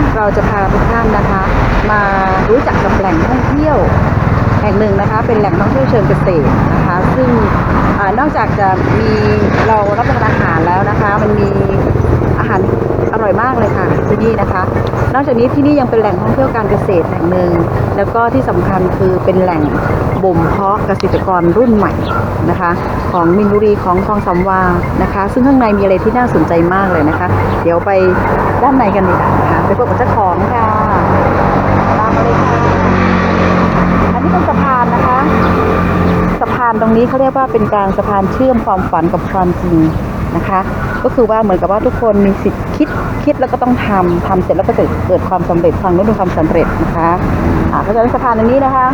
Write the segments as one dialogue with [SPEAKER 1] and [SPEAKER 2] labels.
[SPEAKER 1] เราจะพาทุกท่านนะคะมารู้จักกับแหล่งท่องเที่ยวแห่งหนึ่งนะคะเป็นแหล่งท่องเที่ยวเชิงเกษตรนะคะซึ่งนอกจากจะมีเรารับประทานอาหารแล้วนะคะมันมีอาหารอร่อยมากเลยค่ะที่นี่นะคะนอกจากนี้ที่นี่ยังเป็นแหล่งท่องเที่ยวการเกษตรแห่งหนึ่งแล้วก็ที่สำคัญคือเป็นแหล่งบ่มเพาะเกษตรกรรุ่นใหม่นะคะของมีนบุรีของคลองสามวานะคะซึ่งข้างในมีอะไรที่น่าสนใจมากเลยนะคะเดี๋ยวไปด้านในกันดีกว่านะคะไปพบกับเจ้าของค่ะตามมาเลยค่ะอันนี้เป็นสะพานนะคะสะพานตรงนี้เขาเรียกว่าเป็นการสะพานเชื่อมความฝันกับความจริงนะคะก็คือว่าเหมือนกับว่าทุกคนมีสิทธิ์คิดแล้วก็ต้องทำเสร็จแล้วก็จะเกิดความสำเร็จฟังแล้วเป็นความสำเร็จนะคะเพราะฉะนั้นสะพานอันนี้นะคะ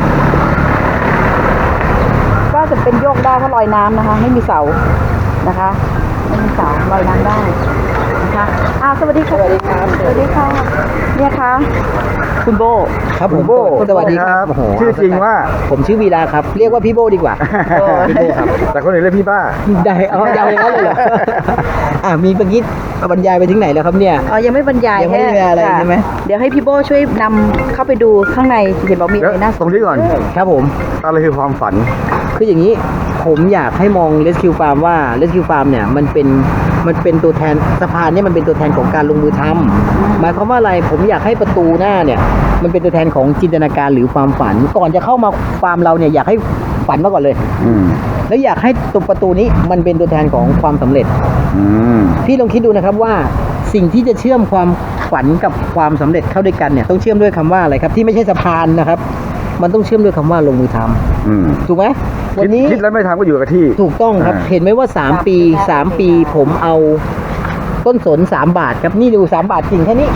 [SPEAKER 1] ก็จะเป็นโยกได้เพราะลอยน้ำนะคะไม่มีเสานะคะไม่มีเสาลอยน้ำได้นะคะสวัสดีค่ะสวัสดีครับสวัสดีค่ะเนี่ยค่ะคุณโบ
[SPEAKER 2] ครับผม
[SPEAKER 1] โบ
[SPEAKER 2] สวัสดีครับโอ้โห
[SPEAKER 3] ชื่อจริงว่า
[SPEAKER 2] ผมชื่อวีระครับเรียกว่าพี่โบดีกว่าพี่โบครับ
[SPEAKER 3] แต่คนอื่นเรียกพี่ป้า
[SPEAKER 2] ได้เอายาวอย่างนั้นเลยเหรอมีเมื่อกี้บรรยายไปถึงไหนแล้วครับเนี่ย
[SPEAKER 1] ยังไม่บรรยาย
[SPEAKER 2] ยังไม่ได้อะไรใช่ไหม
[SPEAKER 1] เดี๋ยวให้พี่โบช่วยนำเข้าไปดูข้างในเห็นบอกมีอะไรน่าส
[SPEAKER 3] ตรงนี้ก่อน
[SPEAKER 2] ครับผม
[SPEAKER 3] อะไรคือความฝัน
[SPEAKER 2] คืออย่างนี้ผมอยากให้มอง Rescue Farm ว่า Rescue Farm เนี่ยมันเป็นตัวแทนสะพานเนี่ยมันเป็นตัวแทนของการลงมือทำหมายความว่าอะไรผมอยากให้ประตูหน้าเนี่ยมันเป็นตัวแทนของจินตนาการหรือความฝันก่อนจะเข้ามาฟาร์มเราเนี่ยอยากให้ฝันมาก่อนเลย แล้วอยากให้ตรงประตูนี้มันเป็นตัวแทนของความสำเร็จพี่ลองคิดดูนะครับว่าสิ่งที่จะเชื่อมความฝันกับความสำเร็จเข้าด้วยกันเนี่ยต้องเชื่อมด้วยคำว่าอะไรครับที่ไม่ใช่สะพานนะครับมันต้องเชื่อมด้วยคำว่าลงมือทำถูกไหมวันนี้
[SPEAKER 3] คิดแล้วไม่ทำก็อยู่กับที่
[SPEAKER 2] ถูกต้องครับเห็นไหมว่า3 ปีผมเอาต้นสน3 บาทครับนี่ดู3 บาทกิ่งแค่นี้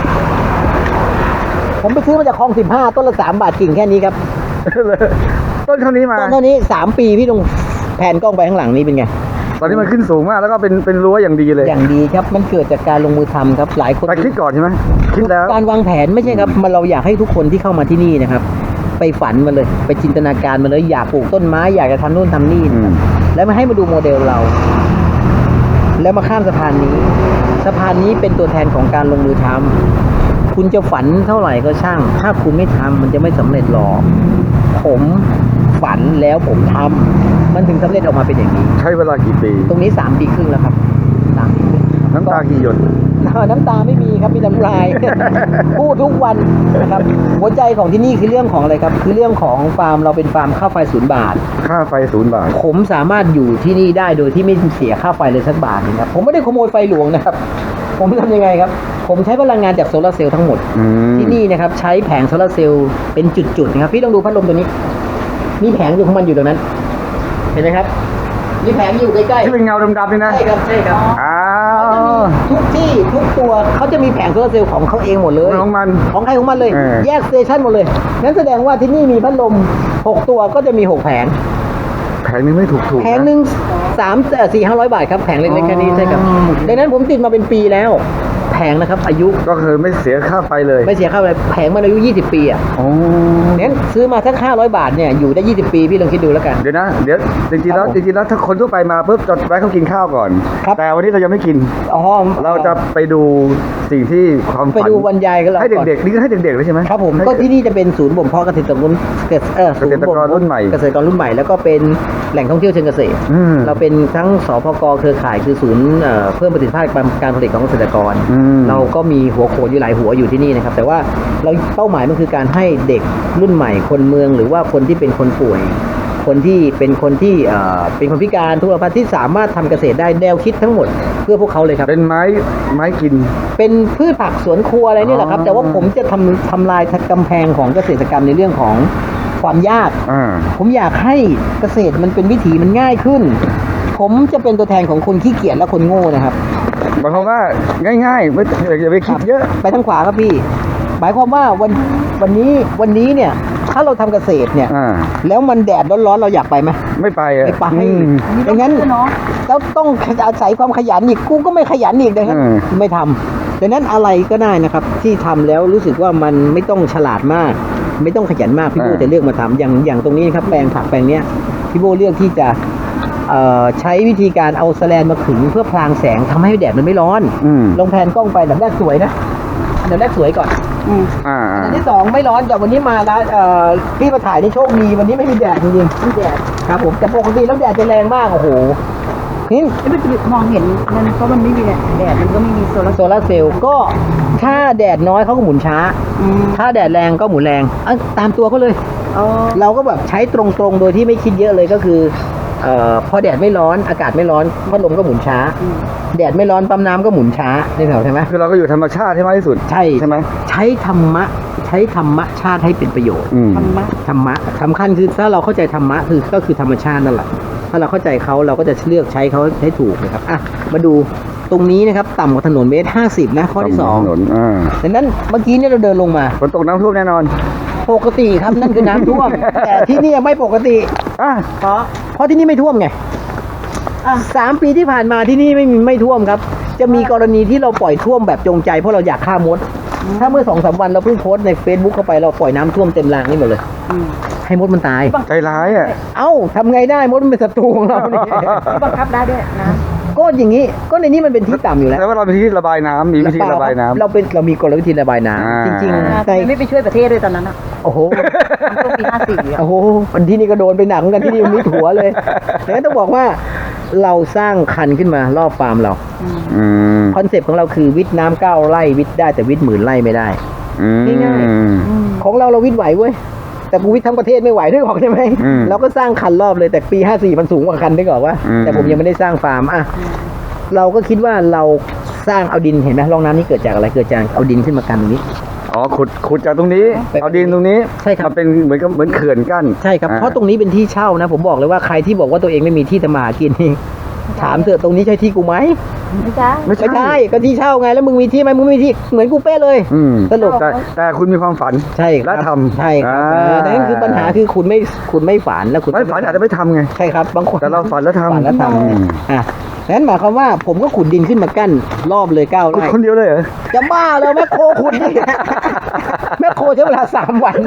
[SPEAKER 2] ผมไปซื้อมาจากคลอง15ต้นละ3 บาทกิ่งแค่นี้ครับ
[SPEAKER 3] ต้นเท่านี้มา
[SPEAKER 2] ต้นเท่านี้3 ปีพี่ลงแผนกล้องไปข้างหลังนี้เป็นไง
[SPEAKER 3] ตอนนี้มันขึ้นสูงมากแล้วก็เป็นรั้วอย่างดีเลย
[SPEAKER 2] อย่างดีครับมันเกิดจากการลงมือทำครับหลายคน
[SPEAKER 3] แต่คิดก่อนใช่ไหมคิดแล้ว
[SPEAKER 2] การวางแผนไม่ใช่ครับเราอยากให้ทุกคนที่เข้ามาที่นี่นะครับไปฝันมาเลยไปจินตนาการมาเลยอยากปลูกต้นไม้อยากจะทำนู่นทำนี่แล้วมาให้มาดูโมเดลเราแล้วมาข้ามสะพานนี้เป็นตัวแทนของการลงมือทำคุณจะฝันเท่าไหร่ก็ช่างถ้าคุณไม่ทำมันจะไม่สำเร็จหรอกผมฝันแล้วผมทำมันถึงสำเร็จออกมาเป็นอย่างนี้
[SPEAKER 3] ใช้เวลากี่ปี
[SPEAKER 2] ตรงนี้3 ปีครึ่งแล้วครับ3 ปีครึ่ง
[SPEAKER 3] น้ำตากี่หยด
[SPEAKER 2] น้ำตาไม่มีครับมีน้ำลาย พูดทุกวันนะครับหัวใจของที่นี่คือเรื่องของอะไรครับคือเรื่องของฟาร์มเราเป็นฟาร์มค่าไฟ0 บาท
[SPEAKER 3] ค่าไฟ0 บาท
[SPEAKER 2] ผมสามารถอยู่ที่นี่ได้โดยที่ไม่เสียค่าไฟเลยสักบาทนะครับผมไม่ได้ขโมยไฟหลวงนะครับผมทำยังไงครับผมใช้พลังงานจากโซลาร์เซลล์ทั้งหมดที่นี่นะครับใช้แผงโซลาร์เซลล์เป็นจุดๆนะครับพี่ต้องดูพัดลมตัวนี้มีแผงอยู่ของมันอยู่ตรงนั้นเห็นไหมครับมีแผงอยู่ใกล้ๆ
[SPEAKER 3] ที่เป็นเงาดำๆนี่นะ
[SPEAKER 2] ใช่ครับทุกที่ทุกตัวเขาจะมีแผงโซลาร์เซลล์ของเขาเองหมดเลย
[SPEAKER 3] ของมัน
[SPEAKER 2] ของใครของมันเลยแยกสเตชันหมดเลยนั่นแสดงว่าที่นี่มีพัดลม6 ตัวก็จะมี6 แผง
[SPEAKER 3] นึงไม่ถูก
[SPEAKER 2] แผงนึง400-500 บาทครับแผงเล็กๆแค่นี้ใช่ครับดังนั้นผมติดมาเป็นปีแล้วแผงนะครับอายุ
[SPEAKER 3] ก็คือไม่เสียค่าไฟเลย
[SPEAKER 2] ไม่เสียค่าไฟแผงมันอายุ20 ปีอ่ะงั้นซื้อมาสัก500 บาทเนี่ยอยู่ได้20 ปีพี่ลองคิดดูแล้วกัน
[SPEAKER 3] เดี๋ยวจริงๆแล้วถ้าคนทั่วไปมาปุ๊บจะแวะเขากินข้าวก่อนแต่วันนี้เรายังไม่กินเราจะไปดูสิ่งที่ความฝัน
[SPEAKER 2] ไปดูบรรยายกัน
[SPEAKER 3] ให้เด็กๆนี่ก็ให้เด็กๆเลยใช่ไหม
[SPEAKER 2] ครับผมก็ที่นี่จะเป็นศูนย์บ่มเพาะเกษตรกรรุ่นใหม่แล้วก็เป็นแหล่งท่องเที่ยวเชิงเกษตรเราเป็นทั้งสพกเครือข่ายคือศูนย์เพิ่มประสิทธิภาพการผลิตของเกษตรกรเราก็มีหัวโขนอยู่หลายหัวอยู่ที่นี่นะครับแต่ว่าเราเป้าหมายมันคือการให้เด็กรุ่นใหม่คนเมืองหรือว่าคนที่เป็นคนป่วยคนที่เป็นคนพิการทุกประเภทที่สามารถทำเกษตรได้แนวคิดทั้งหมดเพื่อพวกเขาเลยครับ
[SPEAKER 3] เป็นไม้กิน
[SPEAKER 2] เป็นพืชผักสวนครัวอะไรนี่แหละครับแต่ว่าผมจะทำลายกำแพงของเกษตรกรรมในเรื่องของความยากผมอยากให้เกษตรมันเป็นวิถีมันง่ายขึ้นผมจะเป็นตัวแทนของคนขี้เกียจและคนโง่นะครับ
[SPEAKER 3] หมายความว่าง่ายๆไม่อย่าไปคิดเยอะ
[SPEAKER 2] ไปทางขวาครับพี่หมายความว่าวันนี้เนี่ยถ้าเราทำเกษตรเนี่ยแล้วมันแดดร้อนๆเราอยากไปไหม
[SPEAKER 3] ไม่ไป
[SPEAKER 2] ดังนั้นแล้วต้องอาศัยความขยันอีกกูก็ไม่ขยันอีกนะครับไม่ทำดังนั้นอะไรก็ได้นะครับที่ทำแล้วรู้สึกว่ามันไม่ต้องฉลาดมากไม่ต้องขยันมากพี่โบจะเลือกมาทำอย่างตรงนี้นะครับแปลงผักแปลงเนี้ยพี่โบเลือกที่จะใช้วิธีการเอาแสแลนมาขึงเพื่อพรางแสงทำให้แดดมันไม่ร้อนลงแผนกล้องไปแบบแรกสวยนะดับแรกสวยก่อน
[SPEAKER 1] อืม
[SPEAKER 2] อันที่สองไม่ร้อนแต่วันนี้มาร้านพี่มาถ่ายนี่โชคดีวันนี้ไม่มีแดดจริงๆไม่แดดครับผมแต่ปกติแล้วแดดจะแรงมากโอ้โหนี่
[SPEAKER 1] ไม่ไปมองเห็นมันเพราะมันไม่มีแดดมันก็ไม่มีโซลาร์
[SPEAKER 2] โซลาร์เซลล์ก็ถ้าแดดน้อยเขาก็หมุนช้า
[SPEAKER 1] อืม
[SPEAKER 2] ถ้าแดดแรงก็หมุนแรงตามตัวเขาเลย
[SPEAKER 1] อ๋อ
[SPEAKER 2] เราก็แบบใช้ตรงๆโดยที่ไม่คิดเยอะเลยก็คือพอแดดไม่ร้อนอากาศไม่ร้อนพัดลมก็หมุนช้า แดดไม่ร้อนปั๊มน้ำก็หมุนช้านี่แถวใช่ไหม
[SPEAKER 3] คือเราก็อยู่ธรรมชาติให้มากที่สุด
[SPEAKER 2] ใช่
[SPEAKER 3] ใช่ไหม
[SPEAKER 2] ใช้ธรรมชาติให้เป็นประโยชน์
[SPEAKER 3] อืม
[SPEAKER 1] ธรรมะ
[SPEAKER 2] ธรรมะสำคัญคือถ้าเราเข้าใจธรรมะก็คือธรรมชาตินั่นแหละถ้าเราเข้าใจเขาเราก็จะเลือกใช้เขาให้ถูกนะครับอ่ะมาดูตรงนี้นะครับต่ำกว่าถนนเมตร50นะข้อที่สอง
[SPEAKER 3] ถนน
[SPEAKER 2] ดังนั้นเมื่อกี้เนี่ยเราเดินลงมา
[SPEAKER 3] ฝนตกน้ำท่วมแน่นอน
[SPEAKER 2] ปกติครับนั่นคือน้ำท่วม แต่ที่เนี่ยไม่ปกติ
[SPEAKER 3] อ่ะ
[SPEAKER 2] เพราะที่นี่ไม่ท่วมไง3 ปีที่ผ่านมาที่นี่ไม่ท่วมครับ จะมีกรณีที่เราปล่อยท่วมแบบจงใจเพราะเราอยากฆ่ามด ถ้าเมื่อ 2-3 วันเราเพิ่งโพสต์ใน Facebook เข้าไปเราปล่อยน้ำท่วมเต็มรางนี่หมดเลย
[SPEAKER 1] อืม
[SPEAKER 2] ให้มดมันตาย
[SPEAKER 3] ใจร้ายอ่ะ
[SPEAKER 2] เอ้าทำไงได้มดมันเป็นศัตรูของเราเนี่ย
[SPEAKER 1] บังคับได้ด้วยนะ
[SPEAKER 2] ก็อย่างนี้ก็ในนี้มันเป็นที่ต่ำอยู่แล้ว
[SPEAKER 3] แต่ว่าเรามีที่ระบายน้ำมีวิธีระบายน้ำ
[SPEAKER 2] เรามีกลวิธีระบายน้ำจริงๆ
[SPEAKER 1] ทำไมไม่ไปช่วยประเทศด้วยตอนนั้นอ่ะ
[SPEAKER 2] โอ้โห
[SPEAKER 1] มันช่วงปี54อ่ะ
[SPEAKER 2] โอ้โหวันที่นี่ก็โดนไปหนักเหมือนกันที่นี่มันมีถั่วเลยดังนั้นต้องบอกว่าเราสร้างคันขึ้นมารอบฟาร์มเรา
[SPEAKER 3] อืม
[SPEAKER 2] คอนเซปต์ของเราคือวิทย์น้ำ9 ไร่วิทย์ได้แต่วิทย์10,000 ไร่ไม่ได้ ง่าย ของเราวิทย์ไหวเว้ยแต่กูวิทย์ทั้งประเทศไม่ไหวด้วยหรอกใช่ไหม
[SPEAKER 3] อืม
[SPEAKER 2] เราก็สร้างคันรอบเลยแต่ปี54มันสูงกว่าคันได้ก่อนว่า
[SPEAKER 3] อืม
[SPEAKER 2] แต่ผมยังไม่ได้สร้างฟาร์มอ่ะเราก็คิดว่าเราสร้างเอาดินเห็นไหมร่องน้ำนี่เกิดจากอะไรเกิดจากเอาดินขึ้นมากันตรงนี้
[SPEAKER 3] อ๋อขุดจากตรงนี้ เอาดินตรงนี้
[SPEAKER 2] ใช่ครับ
[SPEAKER 3] มาเป็นเหมือนเขื่อนกั้น
[SPEAKER 2] ใช่ครับ
[SPEAKER 3] อ่
[SPEAKER 2] เพราะตรงนี้เป็นที่เช่านะ ผมบอกเลยว่าใครที่บอกว่าตัวเองไม่มีที่ทำมาหากินนี่ถามเถอะตรงนี้ใช่ที่กูไหม
[SPEAKER 1] ไม่ใช่
[SPEAKER 3] ไม่
[SPEAKER 2] ไม่
[SPEAKER 3] ใช่
[SPEAKER 2] ใช่ก็ที่เช่าไงแล้วมึงมีที่ไหมมึงไม่มีที่เหมือนกูเป๊ะเลย
[SPEAKER 3] อืม
[SPEAKER 2] สรุป
[SPEAKER 3] แต่คุณมีความฝัน
[SPEAKER 2] ใช่ครับ
[SPEAKER 3] และทำ
[SPEAKER 2] ใช่ครับ
[SPEAKER 3] อ่า
[SPEAKER 2] แต่นั่นคือปัญหาคือคุณไม่ฝันแล้วคุณ
[SPEAKER 3] ไม่ฝันอาจจะไม่ทำไง
[SPEAKER 2] ใช่ครับบางคน
[SPEAKER 3] แต่เราฝันแล้วทำ
[SPEAKER 2] ฝันแล้วท
[SPEAKER 3] อืม
[SPEAKER 2] ำอ่ะนั้นหมายความว่าผมก็ขุดดินขึ้นมากั้นรอบเลย9
[SPEAKER 3] คุณ
[SPEAKER 2] ไร่
[SPEAKER 3] คนเดียวเลยเหรอ
[SPEAKER 2] จะบ้าแล้วแม่โคขุดนี่แม่โคใช้เวลา3 วัน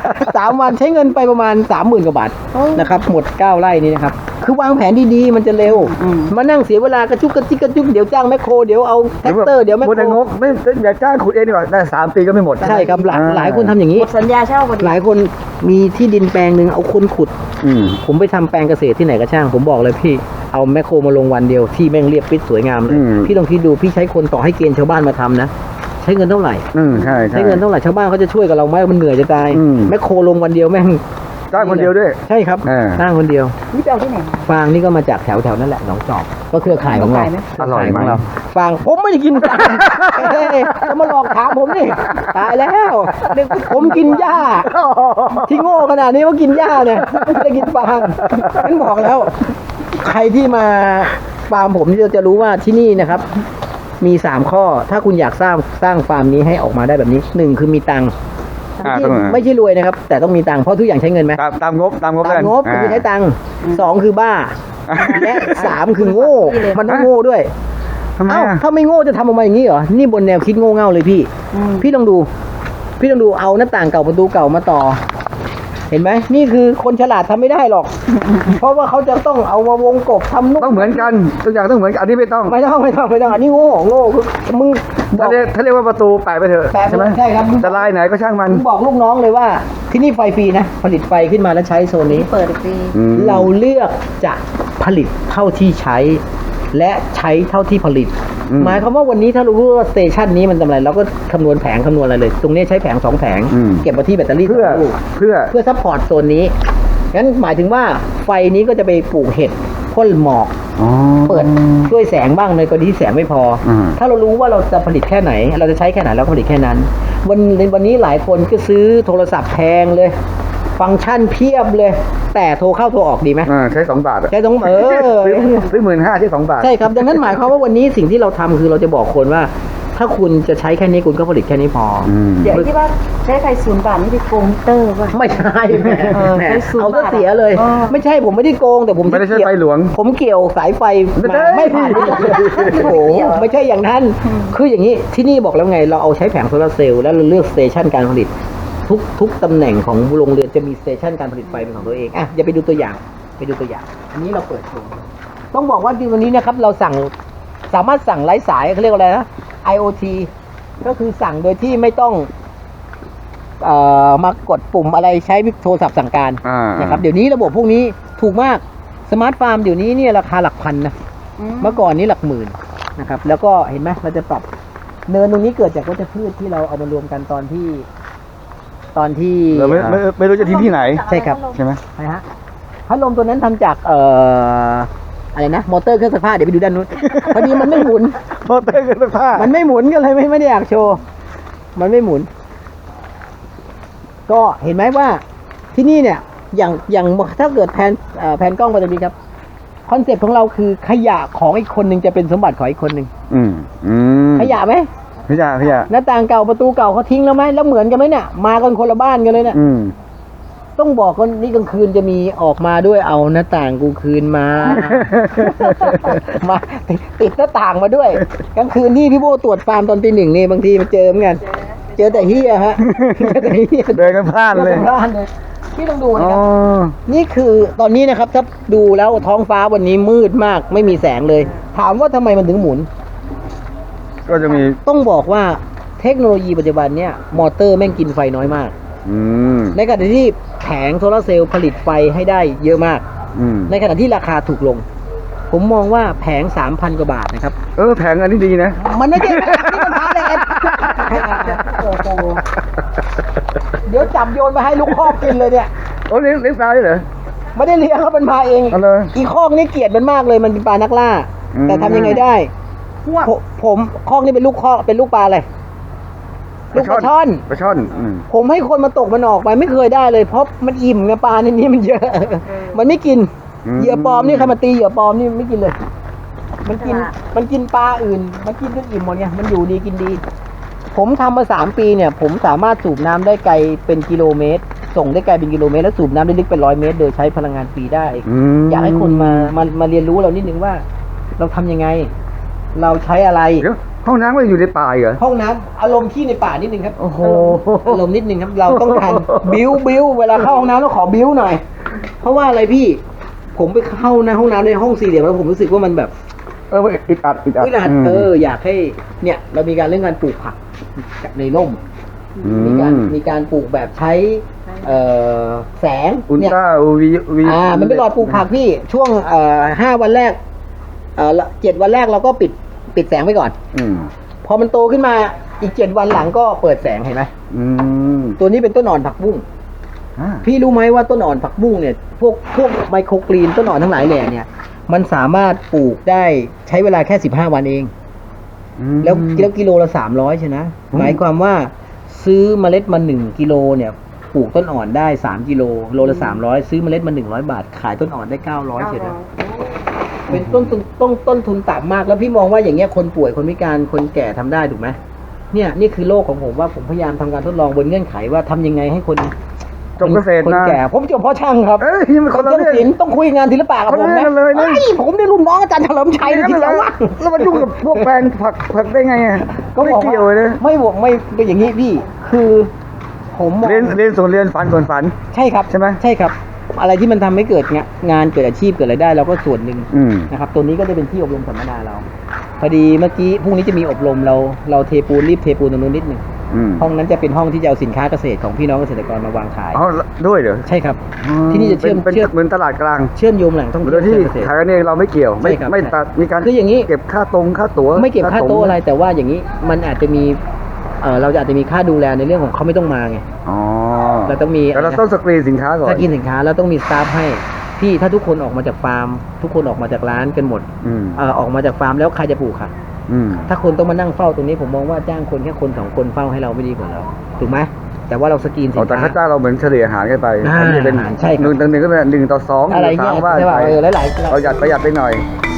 [SPEAKER 2] 3 วันใช้เงินไปประมาณ 30,000 กว่าบาทนะครับหมด9 ไร่นี้นะครับคือวางแผนดีๆมันจะเร็วมานั่งเสียเวลากระจุกกระจิกกระจุกเดี๋ยวจ้างแม่โคเดี๋ยวเอาแท็กเตอร์เดี๋ยวแม่
[SPEAKER 3] หมดแต่ง
[SPEAKER 2] โค
[SPEAKER 3] บไม่อยากจ้างขุดเองดีกว่าได้3 ปีก็ไม่หมด
[SPEAKER 2] ใช่ครับหลายคนทำอย่าง
[SPEAKER 1] ห
[SPEAKER 2] นี้
[SPEAKER 1] มดสัญญาเช่าพอดี
[SPEAKER 2] หลายคนมีที่ดินแปลงหนึ่งเอาคนขุด
[SPEAKER 3] อืม
[SPEAKER 2] ผมไปทำแปลงเกษตรที่ไหนก็ช่าง ผมบอกเลยพี่เอาแมคโครมาลงวันเดียวที่แม่งเรียบปิดสวยงามเลย
[SPEAKER 3] อืม
[SPEAKER 2] พี่ลองคิดดูพี่ใช้คนต่อให้เกณฑ์ชาวบ้านมาทำนะใช้เงินเท่าไหร่
[SPEAKER 3] ใช่ใช่
[SPEAKER 2] ใช้เงินเท่าไหร่ชาวบ้านเขาจะช่วยกับเราไหมมันเหนื่อยจะตาย
[SPEAKER 3] อืม
[SPEAKER 2] แมคโครลงวันเดียวแม่ง
[SPEAKER 3] จ้างคนเดียวด้วย
[SPEAKER 2] ใช่ครับ สร้างคนเดียว
[SPEAKER 1] นี่ไปเอาที่ไหนมา
[SPEAKER 2] ฟางนี่ก็มาจากแถวนั่นแหละหนองจอกก็เครือข่ายของเรา
[SPEAKER 1] อร่อยไหม
[SPEAKER 2] เคข่ายของเราฟางผมไม่ได้กินฟางเฮ้ยจะมาหลอกถามผมนี่ตายแล้วผมกินหญ้า ที่โง่ขนาดนี้ว่ากินหญ้าเนี่ยไม่ได้กินฟางฉันบอกแล้ว ใครที่มาฟาร์มผมจะรู้ว่าที่นี่นะครับ มี3 ข้อ ถ้าคุณอยากสร้างฟาร์มนี้ให้ออกมาได้แบบนี้1คือมีตังค์ ไม่ใช่รวยนะครับ แต่ต้องมีตังค์เพราะทุกอย่างใช้เงินไหม
[SPEAKER 3] ตามงบ
[SPEAKER 2] ตาม
[SPEAKER 3] แล้วกัน
[SPEAKER 2] งบคือใช้ตังค์2คือบ้า และ3คือโง่ มันต้องโง่ด้วย
[SPEAKER 3] ทำไม
[SPEAKER 2] เอ้า
[SPEAKER 3] อ่ะ
[SPEAKER 2] ถ้าไม่โง่จะทำออกมาอย่างนี้เหรอนี่บนแนวคิดโง่เง่าเลยพี่ พี่ลองดูเอาหน้าต่างเก่าประตูเก่ามาต่อ เห็นไหมนี่คือคนฉลาดทำไม่ได้หรอก เพราะว่าเขาจะต้องเอามาวงกบทำนู่น
[SPEAKER 3] ต้องเหมือนกันทุกอย่างต้องเหมือนกันอันนี้ไม่ต้อง
[SPEAKER 2] ไม่ต้องอันนี้โง่คือมึงบ
[SPEAKER 3] ถ้า
[SPEAKER 2] อก
[SPEAKER 3] เรียกว่าประตูแปะไปเถอะ
[SPEAKER 2] แปะ
[SPEAKER 3] ใช่ไหม
[SPEAKER 2] ใช่ครับ
[SPEAKER 3] จะลายไหนก็ช่างมัน
[SPEAKER 2] มึงบอกลูกน้องเลยว่าที่นี่ไฟฟรีนะผลิตไฟขึ้นมาแล้วใช้โซนนี้
[SPEAKER 1] เปิดอีกปี
[SPEAKER 3] อืม
[SPEAKER 2] เราเลือกจะผลิตเท่าที่ใช้ และใช้เท่าที่ผลิต หมายความว่าวันนี้ถ้าเรารู้ว่าสเตชันนี้มันทำอะไรเราก็คำนวณแผงคำนวณอะไรเลย ตรงนี้ใช้แผง2 แผง เก็บมาที่แบตเตอรี่
[SPEAKER 3] เพื่อ
[SPEAKER 2] สองลูก
[SPEAKER 3] เพื่อ
[SPEAKER 2] เพื่อซัพพอร์ตโซนนี้งั้นหมายถึงว่าไฟนี้ก็จะไปปลูกเห็ดพ่นหมอก
[SPEAKER 3] อ๋อ
[SPEAKER 2] เปิดช่วยแสงบ้างในกรณีที่แสงไม่พออ
[SPEAKER 3] ม
[SPEAKER 2] ถ้าเรารู้ว่าเราจะผลิตแค่ไหน เราจะใช้แค่ไหนเราก็ผลิตแค่นั้น วันนี้หลายคนก็ซื้อโทรศัพท์แพงเลย ฟังก์ชันเพียบเลย แต่โทรเข้าโทรออกดีไหม
[SPEAKER 3] ใช้2 บาทอะ
[SPEAKER 2] ใช่ต้อง
[SPEAKER 3] ซื้อ15,000ใช้2 บาท
[SPEAKER 2] ใช่ครับดังนั้นหมายความว่าวันนี้สิ่งที่เราทำคือเราจะบอกคนว่า ถ้าคุณจะใช้แค่นี้คุณก็ผลิตแค่นี้พออ
[SPEAKER 1] เดี๋ยวไอ้ที่ว่าใช้ไฟ0 บาทนี่ไปโกงมิเตอร์ป่ะ
[SPEAKER 2] ไม่ใช่แหม
[SPEAKER 1] ใช้ศูนย์
[SPEAKER 2] เอาซะ
[SPEAKER 1] บาท
[SPEAKER 2] เสียเลย
[SPEAKER 1] อ๋อ
[SPEAKER 2] ไม่ใช่ผมไม่ได้โกงแต่ผม
[SPEAKER 3] ไม่ได้ใช้
[SPEAKER 2] เกี่ยว
[SPEAKER 3] ไฟหลวง
[SPEAKER 2] ผมเกี่ยวสายไฟ
[SPEAKER 3] ไม่ได้
[SPEAKER 2] มาไม่ผ่านโอ้โหไม่ใช่อย่างนั้น คืออย่างนี้ที่นี่บอกแล้วไงเราเอาใช้แผงโซลาร์เซลล์แล้วเราเลือกสเตชันการผลิต ทุกตำแหน่งของโรงเรือนจะมีสเตชันการผลิตไฟเป็นของตัวเองอ่ะอย่าไปดูตัวอย่างอันนี้เราเปิดโชว์ต้องบอกว่าวันนี้นะครับเราสามารถสั่งไร้สายเขาเรียกว่าอะไรนะ IoT ก็คือสั่งโดยที่ไม่ต้องมากดปุ่มอะไรใช้โทรศัพท์สั่งการ นะครับเดี๋ยวนี้ระบบพวกนี้ถูกมากสมาร์ทฟาร์มเดี๋ยวนี้เนี่ยราคาหลักพันนะเมื่อก่อนนี้หลักหมื่นนะครับแล้วก็เห็นไหมเราจะปรับเนินตรงนี้เกิดจากวัชพืชที่เราเอามารวมกันตอนที่
[SPEAKER 3] เราไม่รู้จะทิ้งที่ไหน
[SPEAKER 2] ใช่ครับ
[SPEAKER 3] ใช่ไหม
[SPEAKER 2] ใช่ฮะพัดลมตัวนั้นทำจากอะไรนะมอเตอร์เครื่องซักผ้าเดี๋ยวไปดูด้านนู้น พอดีมันไม่หมุน
[SPEAKER 3] มอเตอร์เครื่องซักผ้า
[SPEAKER 2] มันไม่หมุนก็เลยไม่ได้อยากโชว์มันไม่หมุน ก็เห็นไหมว่าที่นี่เนี่ยอย่างถ้าเกิดแผนกล้องไปตรงนี้ครับคอนเซ็ปต์ของเราคือขยะของอีกคนหนึ่งจะเป็นสมบัติของอีกคนหนึ่งขยะไหม
[SPEAKER 3] ขยะ
[SPEAKER 2] หน้าต่างเก่าประตูเก่าเขาทิ้งแล้วไหมแล้วเหมือนกันไหมเนี่ยมากันคนละบ้านกันเลยเนี่ยต้องบอกว่านี่กลางคืนจะมีออกมาด้วยเอาหน้าต่างกูคืนมา มาติดหน้าต่างมาด้วยกลางคืนนี่พี่โบตรวจฟาร์มตอนตี 1นี่บางทีมาเจอเหมือนกันเจอแต่เฮียฮะเจอแต่เฮีย
[SPEAKER 3] เดินกันพลาดเลย
[SPEAKER 2] พี่ต้องดูนะครับนี่คือตอนนี้นะครับถ้าดูแล้วท้องฟ้าวันนี้มืดมากไม่มีแสงเลย ถามว่าทำไมมันถึงหมุน
[SPEAKER 3] ก็จะมี
[SPEAKER 2] ต้องบอกว่าเทคโนโลยีปัจจุบันเนี่ยมอเตอร์แม่งกินไฟน้อยมากในขณะที่แผงโซลาร์เซลล์ผลิตไฟให้ได้เยอะมากในขณะที่ราคาถูกลง ผมมองว่าแผง 3,000 กว่าบาทนะครับ
[SPEAKER 3] แผงอันนี้ดีนะ
[SPEAKER 2] มันไม่ใช่ที่มันพาเลยโอ้โหเดี๋ยวจับโยนไปให้ลูกคอกกินเลยเนี่ย
[SPEAKER 3] เลี้ยงปลาด้วยเหรอ
[SPEAKER 2] ไม่ได้เลี้ยงเขาเป็นมาเองอีคอกนี่เกลียดมันมากเลยมันเป็นปลานักล่าแต่ทำยังไงได้ผมคอกนี่เป็นลูกคอกเป็นลูกปลาอะไรลูกปลาช่อนผมให้คนมาตกมันออกไปไม่เคยได้เลยเพราะมันอิ่มไงปลาในนี้มันเยอะมันไม่กินเหยื่อปลอมนี่ใครมาตีเหยื่อปลอมนี่ไม่กินเลยมันกินปลาอื่นมันกินจนอิ่มหมดไงมันอยู่ดีกินดีผมทำมา3 ปีเนี่ยผมสามารถสูบน้ำได้ไกลเป็นกิโลเมตรส่งได้ไกลเป็นกิโลเมตรแล้วสูบน้ำได้ลึกเป็น100 เมตรโดยใช้พลังงานฟรีได้อยากให้คนมาเรียนรู้เรานิดนึงว่าเราทำยังไงเราใช้อะไร
[SPEAKER 3] ห้องน้ำมันอยู่ในป่าเหรอ
[SPEAKER 2] ห้องน้ำอารมณ์ที่ในป่านิดนึงครับโอ้โหอารมณ์นิดนึงครับเราต้องการบิ้วเวลาเข้าห้องน้ำต้องขอบิ้วหน่อยเพราะว่าอะไรพี่ผมไปเข้าในห้องน้ำในห้องสี่เหลี่ยมแล้วผมรู้สึกว่ามันแบบ
[SPEAKER 3] อึดอัด
[SPEAKER 2] อยากให้เนี่ยเรามีการเรื่องการปลูกผักในร่มมีการปลูกแบบใช้แสง
[SPEAKER 3] เนี่ย
[SPEAKER 2] มันเป็นหลอดปลูกผักพี่ช่วง5 วันแรก7 วันแรกเราก็ปิดแสงไปก่อนพอมันโตขึ้นมาอีก7 วันหลังก็เปิดแสงเห็นไหมตัวนี้เป็นต้นอ่อนผักบุ้งพี่รู้ไหมว่าต้นอ่อนผักบุ้งเนี่ยพวกไมโครกรีนต้นอ่อนทั้งหลายแหล่เนี่ยมันสามารถปลูกได้ใช้เวลาแค่15 วันเองแล้วกิโลละ300ใช่นะหมายความว่าซื้อเมล็ดมา1 กิโลเนี่ยปลูกต้นอ่อนได้3 กิโลโลละ300ซื้อเมล็ดมา100 บาทขายต้นอ่อนได้900ใช่ไหมเป็นต้นทุนต่ำมากแล้วพี่มองว่าอย่างเงี้ยคนป่วยคนพิการคนแก่ทำได้ถูกไหมเนี่ยนี่คือโลกของผมว่าผมพยายามทำการทดลองบนเงื่อนไขว่าทำยังไงให้คน
[SPEAKER 3] จบเกษตร
[SPEAKER 2] คนแก่ผมจบเพราะช่างครับ
[SPEAKER 3] คนละเรื่อง
[SPEAKER 2] ต้องคุยงานศิลปะกับผมนะผมได้รุ่นน้องอาจารย์เฉลิมชัยที่แล้วว่า
[SPEAKER 3] แล้วมันยุ่งกับพวกแปลงผักได้ไง
[SPEAKER 2] ก็ไม่เกี่ยวเลยไม่เป็นอย่างนี้พี่คือผม
[SPEAKER 3] เรียนส่วนเรียนฝันส่วนฝัน
[SPEAKER 2] ใช่ครับใช่ไหมใช่ครับอะไรที่มันทำให้เกิดงานเกิดอาชีพเกิดรายได้เราก็ส่วนหนึ่งนะครับตัวนี้ก็จะเป็นที่อบรมสัมมนาเราพอดีเมื่อกี้พรุ่งนี้จะมีอบรมเราเทปูนรีบเทปูนตรงนู้นนิดนึงห้องนั้นจะเป็นห้องที่จะเอาสินค้าเกษตรของพี่น้องเกษตรกรมาวางขาย
[SPEAKER 3] ด้วยเหรอ
[SPEAKER 2] ใช่ครับที่นี่จะเชื่อม
[SPEAKER 3] เหมือนตลาดกลาง
[SPEAKER 2] เชื่อมโยงแหล่งท่องเที่ยว
[SPEAKER 3] โดยที่ขายกันเองเราไม่เกี่ยวไม่ตัดมีการ
[SPEAKER 2] คืออย่างนี้
[SPEAKER 3] เก็บค่าตั๋ว
[SPEAKER 2] ไม่เก็บค่าโต๊ะอะไรแต่ว่าอย่างนี้มันอาจจะมีเราอาจจะมีค่าดูแลในเรื่องของเขาไม่ต้องมาไงเราต้องมี
[SPEAKER 3] แต่เราต้องสกรีนสินค้าก่อน
[SPEAKER 2] สกรีนสินค้าแล้วต้องมีสตาฟให้พี่ถ้าทุกคนออกมาจากฟาร์มทุกคนออกมาจากร้านกันหมดออกมาจากฟาร์มแล้วใครจะปลูกค่ะถ้าคนต้องมานั่งเฝ้าตรงนี้ผมมองว่าจ้างคนแค่คน2 คนเฝ้าให้เราไม่ดีกว่าเราถูกไหมแต่ว่าเราสกรีนสินค้า
[SPEAKER 3] แต่ค่าจ้างเราเหมือนเฉลี่ยอาหารกันไป
[SPEAKER 2] อันนี้เป็น
[SPEAKER 3] ใช่1 ต่อ 2
[SPEAKER 2] อะไรเงี้ยว่าหลาย
[SPEAKER 3] ประหยัดไปหน่อย